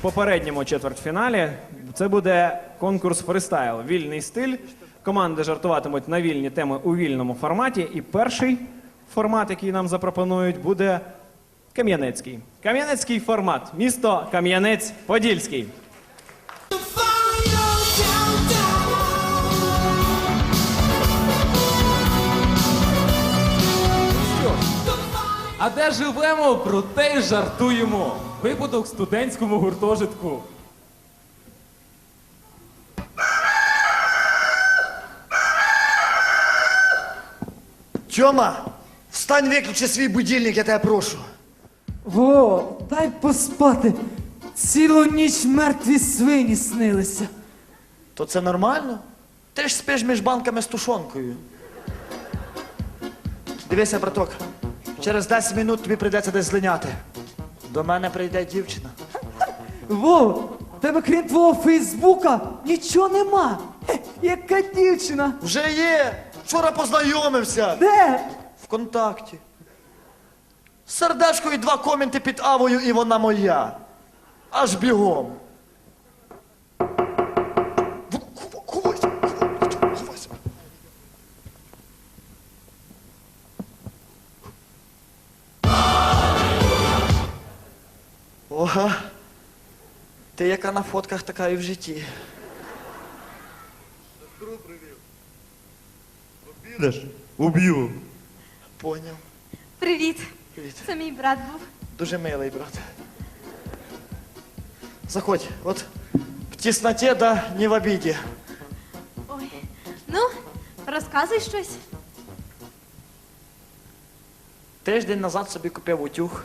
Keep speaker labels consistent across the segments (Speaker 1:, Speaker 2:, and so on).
Speaker 1: попередньому четвертьфіналі. Це буде конкурс фристайл, вільний стиль. Команди жартуватимуть на вільні теми у вільному форматі. І перший формат, який нам запропонують, буде кам'янецький. Кам'янецький формат. Місто Кам'янець-Подільський.
Speaker 2: А де живемо, про те й жартуємо. Випадок в студентському гуртожитку.
Speaker 3: Тьома, встань, виключи свій будильник, я тебе прошу.
Speaker 4: Во, дай поспати. Цілу ніч мертві свині снилися.
Speaker 3: То це нормально? Ти ж спиш між банками з тушонкою. Дивися, браток, через 10 минут тобі прийдеться десь злиняти. До мене прийде дівчина.
Speaker 4: Во, в тебе крім твого Фейсбука нічого нема. Хе, яка дівчина?
Speaker 3: Вже є! Вчора познайомився.
Speaker 4: Де?
Speaker 3: Вконтакті. Сердечко і 2 коменти під Авою, і вона моя. Аж бігом. Ховайся, ховайся. Ого. Ти яка на фотках, така і в житті.
Speaker 5: Підеш? Уб'ю.
Speaker 3: Поняв.
Speaker 6: Привіт.
Speaker 3: Привіт.
Speaker 6: Це мій брат був.
Speaker 3: Дуже милий, брат. Заходь, от в тісноті, да не в обіді.
Speaker 6: Ой. Ну, розказуй щось.
Speaker 3: Тиждень назад собі купив утюг.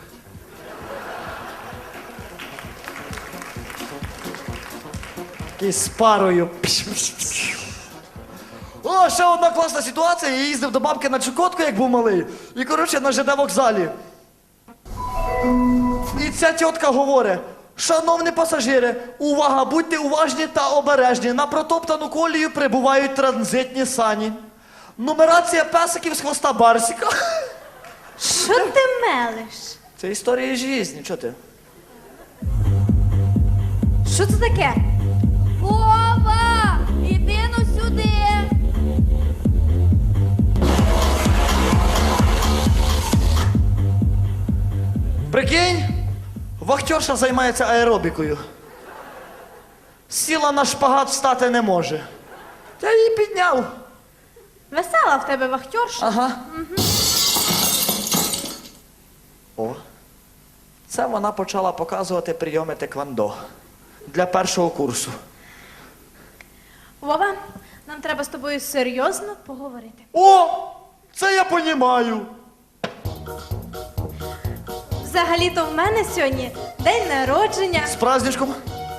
Speaker 3: Такий з парою. О, ще одна класна ситуація. Я їздив до бабки на Чукотку, як був малий. І, коротше, на ЖД вокзалі. І ця тітка говорить: шановні пасажири, увага, будьте уважні та обережні. На протоптану колію прибувають транзитні сані. Нумерація песиків з хвоста Барсіка.
Speaker 6: Що ти мелиш?
Speaker 3: Це історія житті, чого ти?
Speaker 6: Що це таке? Вова! Іди ну сюди!
Speaker 3: Прикинь, вахтерша займається аеробікою. Сіла на шпагат, встати не може. Я її підняв.
Speaker 6: Весела в тебе вахтерша.
Speaker 3: Ага. О, це вона почала показувати прийоми теквондо для першого курсу.
Speaker 6: Вова, нам треба з тобою серйозно поговорити.
Speaker 3: О, це я понімаю.
Speaker 6: Взагалі-то в мене сьогодні день народження.
Speaker 3: З праздничком.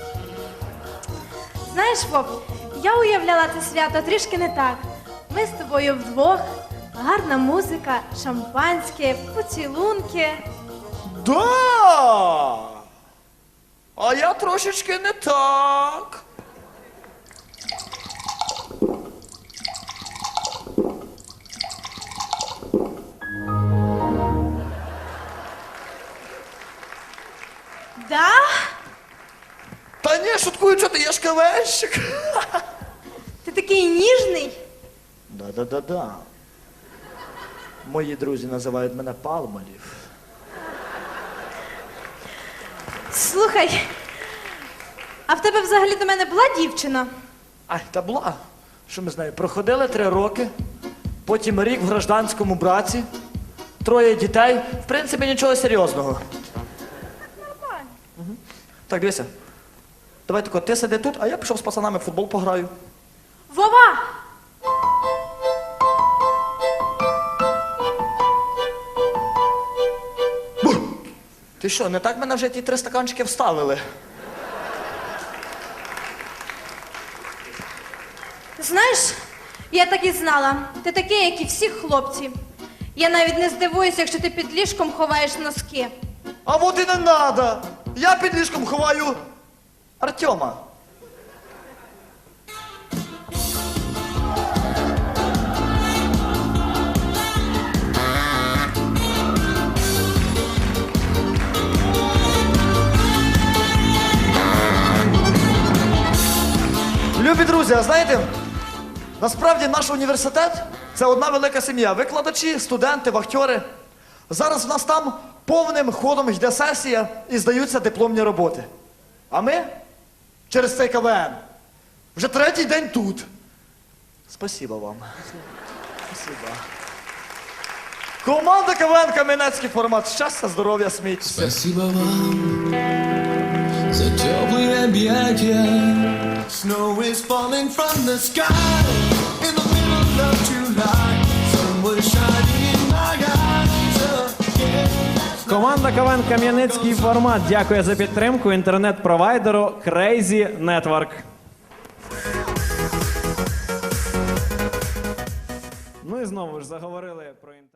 Speaker 6: Знаєш, Вов, я уявляла це свято трішки не так. Ми з тобою вдвох, гарна музика, шампанське, поцілунки.
Speaker 3: Да! А я трошечки не так.
Speaker 6: Да?
Speaker 3: Та ні, шуткую, що ти, я ж КВНщик.
Speaker 6: Ти такий ніжний.
Speaker 3: Да-да-да-да. Мої друзі називають мене Палмолів.
Speaker 6: Слухай, а в тебе взагалі до мене була дівчина?
Speaker 3: Ай, та була. Що ми з нею? Проходили 3 роки, потім рік в гражданському браці, 3 дітей. В принципі, нічого серйозного.
Speaker 6: Нормально.
Speaker 3: Так, дивися. Давай тако, ти сиди тут, а я пішов з пацанами в футбол пограю.
Speaker 6: Вова!
Speaker 3: Ти що, не так мене вже ті 3 стаканчики вставили?
Speaker 6: Знаєш, я так і знала. Ти такий, як і всі хлопці. Я навіть не здивуюся, якщо ти під ліжком ховаєш носки.
Speaker 3: А от і не надо. Я під ліжком ховаю Артема. Любі друзі, а знаєте, насправді наш університет це одна велика сім'я. Викладачі, студенти, вахтери. Зараз в нас там повним ходом йде сесія і здаються дипломні роботи. А ми через цей КВН вже третій день тут. Спасибо вам. Спасибо. Команда КВН Кам'янецький формат. Щастя, здоров'я, сміття.
Speaker 7: Спасибо вам за теплые объятия. Snow is falling from the sky in the middle of July. Sun was shining in my eyes again.
Speaker 1: Команда КВН Кам'янецький формат дякує за підтримку інтернет-провайдеру Crazy Network. Ну і знову ж заговорили про інтернет.